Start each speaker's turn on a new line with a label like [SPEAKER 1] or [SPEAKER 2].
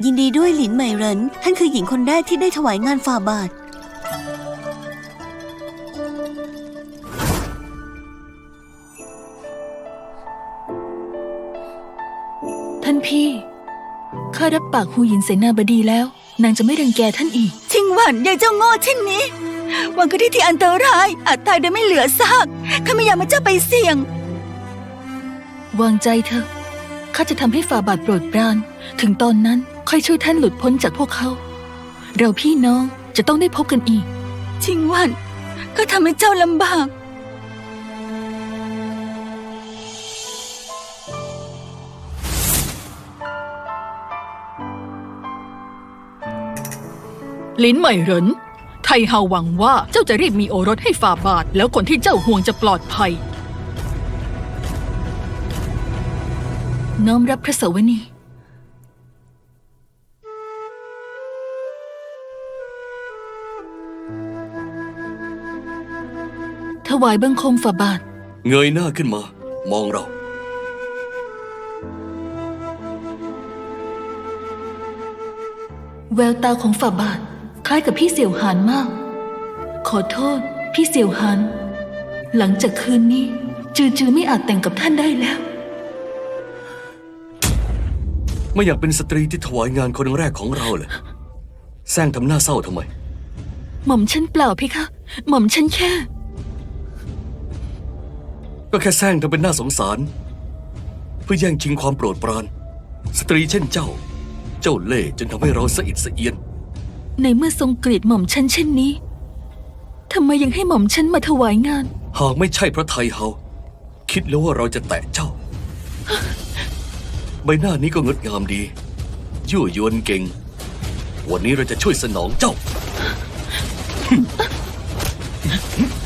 [SPEAKER 1] ยินดีด้วยหลินเหมยเหรินท่านคือหญิงคนแรกที่ได้ถวายงานฝ่าบาท
[SPEAKER 2] ท่านพี่ข้ารับปากฮูหยินเสนาบดีแล้วนางจะไม่รังแกท่านอีก
[SPEAKER 1] ชิงหวันยายเจ้าโง่เช่นนี้วางก็ที่ที่อันตรายอาจตายโดยไม่เหลือซากข้าไม่อยากมาเจ้าไปเสี่ยง
[SPEAKER 2] วางใจเถอะข้าจะทำให้ฝ่าบาทโปรดปรานถึงตอนนั้นค่อยช่วยท่านหลุดพ้นจากพวกเขาเราพี่น้องจะต้องได้พบกันอีก
[SPEAKER 1] ชิงหวันก็ทำให้เจ้าลำบาก
[SPEAKER 3] ลินเหมยเหรินไทเฮาหวังว่าเจ้าจะรีบมีโอรสให้ฝ่าบาทแล้วคนที่เจ้าห่วงจะปลอดภัย
[SPEAKER 2] น้อมรับพระสวนีถวายบังคมฝ่าบาท
[SPEAKER 4] เงยหน้าขึ้นมามองเรา
[SPEAKER 2] แววตาของฝ่าบาทคล้ายกับพี่เสี่ยวหานมากขอโทษพี่เสี่ยวหานหลังจากคืนนี้จือไม่อาจแต่งกับท่านได้แล้ว
[SPEAKER 4] ไม่อยากเป็นสตรีที่ถวายงานคนแรกของเราเลยแซงทำหน้าเศร้าทำไม
[SPEAKER 2] หม่อมฉันเปล่าพี่คะหม่อมฉันแค่
[SPEAKER 4] ก็แค่แซงทำเป็นน่าสงสารเพื่อแย่งชิงความโปรดปรานสตรีเช่นเจ้าเล่ห์จนทำให้เราสะอิดสะเอียน
[SPEAKER 2] ในเมื่อทรงเกลียดหม่อมฉันเช่นนี้ทำไมยังให้หม่อมฉันมาถวายงาน
[SPEAKER 4] หากไม่ใช่พระไทยเฮาคิดแล้วว่าเราจะแตะเจ้าใบหน้านี้ก็งดงามดียั่วยวนเก่งวันนี้เราจะช่วยสนองเจ้า